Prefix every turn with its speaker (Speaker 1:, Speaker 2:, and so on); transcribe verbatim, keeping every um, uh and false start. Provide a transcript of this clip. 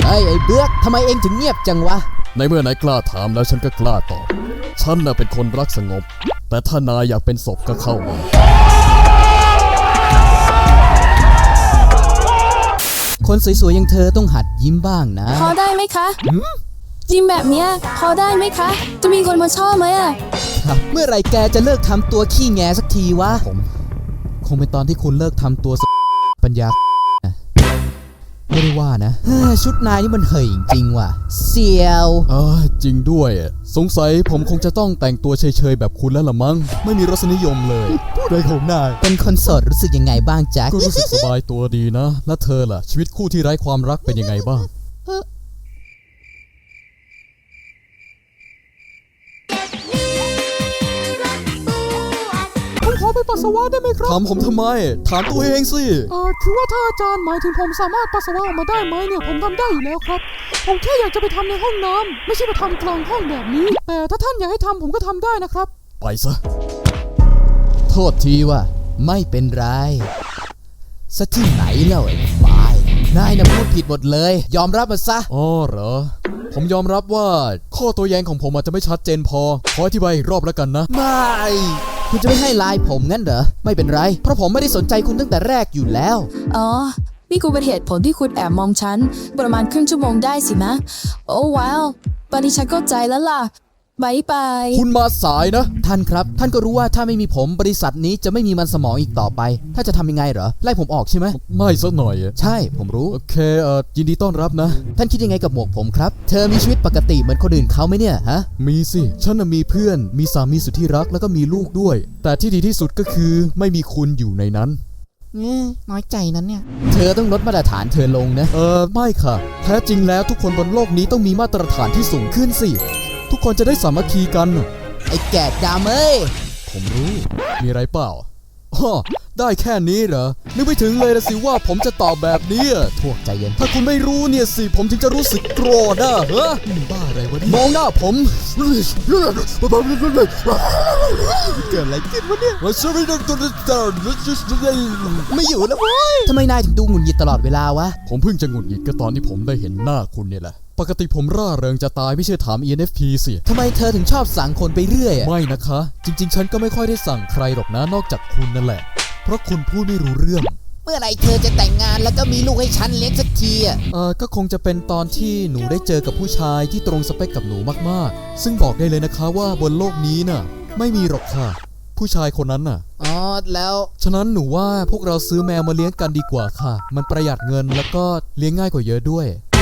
Speaker 1: เฮ้ยไอ้เบือกทำไมเองถึงเงียบจังวะ
Speaker 2: ในเมื่อนายกล้าถามแล้วฉันก็กล้าตอบฉันน่ะเป็นคนรักสงบแต่ถ้านายอยากเป็นศพก็เข้ามา
Speaker 1: คนสวยๆอย่างเธอต้องหัดยิ้มบ้างนะ
Speaker 3: พอได้ไหมคะยิ้มแบบเนี้ยพอได้ไหมคะจะมีคนมาชอบไหมอะ
Speaker 1: ครับเมื่อไหร่แกจะเลิกทำตัวขี้แงสักทีวะผมคงเป็นตอนที่คุณเลิกทำตัวปัญญาไม่ได้ว่านะชุดนายนี่มันเหยจริงว่ะเสียว
Speaker 2: อ่าจริงด้วยสงสัยผมคงจะต้องแต่งตัวเฉยๆแบบคุณแล้วละมั้งไม่มีรสนิยมเลยพูดอะไรของนาย
Speaker 1: เป็นคนโสดรู้สึกยังไงบ้างแจ็ค
Speaker 2: ก็รู้สึกสบายตัวดีนะแล้วเธอล่ะชีวิตคู่ที่ไร้ความรักเป็นยังไงบ้าง
Speaker 4: ผมขอไปปัสสาวะได้ไหมครับ
Speaker 2: ถามผมทำไมถามตัวเองสิ
Speaker 4: เออคือว่าถ้าอาจารย์หมายถึงผมสามารถปัสสาวะออกมาได้ไหมเนี่ยผมทำได้อยู่แล้วครับผมแค่อยากจะไปทำในห้องน้ำไม่ใช่ไปทำกลางห้องแบบนี้แต่ถ้าท่านอยากให้ทำผมก็ทำได้นะครับ
Speaker 2: ไปซะ
Speaker 1: โทษทีว่าไม่เป็นไรซะที่ไหนแล้วไอ้บายนายน่ะพูดผิดหมดเลยยอมรับมาซะ
Speaker 2: อ๋อเหรอผมยอมรับว่าข้อตัวแย้งของผมอาจจะไม่ชัดเจนพอขออธิบายอีกรอบแล้วกันนะ
Speaker 1: ไม่คุณจะไม่ให้ไลน์ผมงั้นเหรอไม่เป็นไรเพราะผมไม่ได้สนใจคุณตั้งแต่แรกอยู่แล้ว
Speaker 3: อ๋อนี่กูเป็นเหตุผลที่คุณแอบมองฉันประมาณครึ่งชั่วโมงได้สินะโอ้ว้าวตอนนี้ฉันเข้าใจแล้วล่ะบายบาย
Speaker 2: คุณมาสายนะ
Speaker 1: ท่านครับท่านก็รู้ว่าถ้าไม่มีผมบริษัทนี้จะไม่มีมันสมองอีกต่อไปถ้าจะทำยังไงเหรอไล่ผมออกใช่ไหม
Speaker 2: ไม่สักหน่อย
Speaker 1: ใช่ผมรู้
Speaker 2: โอเคเอ่อยินดีต้อนรับนะ
Speaker 1: ท่านคิดยังไงกับหมวกผมครับเธอมีชีวิตปกติเหมือนคนอื่นเขาไหมเนี่ยฮะ
Speaker 2: มีสิฉันมีเพื่อนมีสามีสุดที่รักแล้วก็มีลูกด้วยแต่ที่ดีที่สุดก็คือไม่มีคุณอยู่ในนั้น
Speaker 1: น้อยใจนั้นเนี่ยเธอต้องลดมาตรฐานเธอลงนะ
Speaker 2: เออไม่ค่ะแท้จริงแล้วทุกคนบนโลกนี้ต้องมีมาตรฐานที่สูงขึ้นสิทุกคนจะได้สามัคคีกัน
Speaker 1: ไอ้แก่ดำเอ้ย
Speaker 2: ผมรู้มีอะไรเปล่าอ๋อได้แค่นี้เหรอนึกไม่ถึงเลยนะสิว่าผมจะตอบแบบนี้
Speaker 1: พวกใจเย็น
Speaker 2: ถ้าคุณไม่รู้เนี่ยสิผมถึงจะรู้สึกโกรธอ่ะเฮ้ยบ้าอะไรวะมองหน้าผมเกิดอะไรขึ้นวะเนี่ย
Speaker 1: ไม่อยู่แล้วเว้ยทำไมนายถึงดูหงุดหงิดตลอดเวลาวะ
Speaker 2: ผมเพิ่งจะหงุดหงิดก็ตอนที่ผมได้เห็นหน้าคุณเนี่ยแหละปกติผมร่าเริงจะตายไม่ใช่ถาม อี เอ็น เอฟ พี สิ
Speaker 1: ทำไมเธอถึงชอบสั่งคนไปเรื่อย
Speaker 2: ไม่นะคะจริงๆฉันก็ไม่ค่อยได้สั่งใครหรอกนะนอกจากคุณนั่นแหละเพราะคุณพูดไม่รู้เรื่อง
Speaker 1: เมื่อไหร่เธอจะแต่งงานแล้วก็มีลูกให้ฉันเลี้ยงสักทีอ่ะ
Speaker 2: เออก็คงจะเป็นตอนที่หนูได้เจอกับผู้ชายที่ตรงสเปคกับหนูมากๆซึ่งบอกได้เลยนะคะว่าบนโลกนี้น่ะไม่มีหรอกค่ะผู้ชายคนนั้นน่ะ
Speaker 1: อ๋อแล้ว
Speaker 2: ฉะนั้นหนูว่าพวกเราซื้อแมวมาเลี้ยงกันดีกว่าค่ะมันประหยัดเงินแล้วก็เลี้ยงง่ายกว่าเยอะด้วย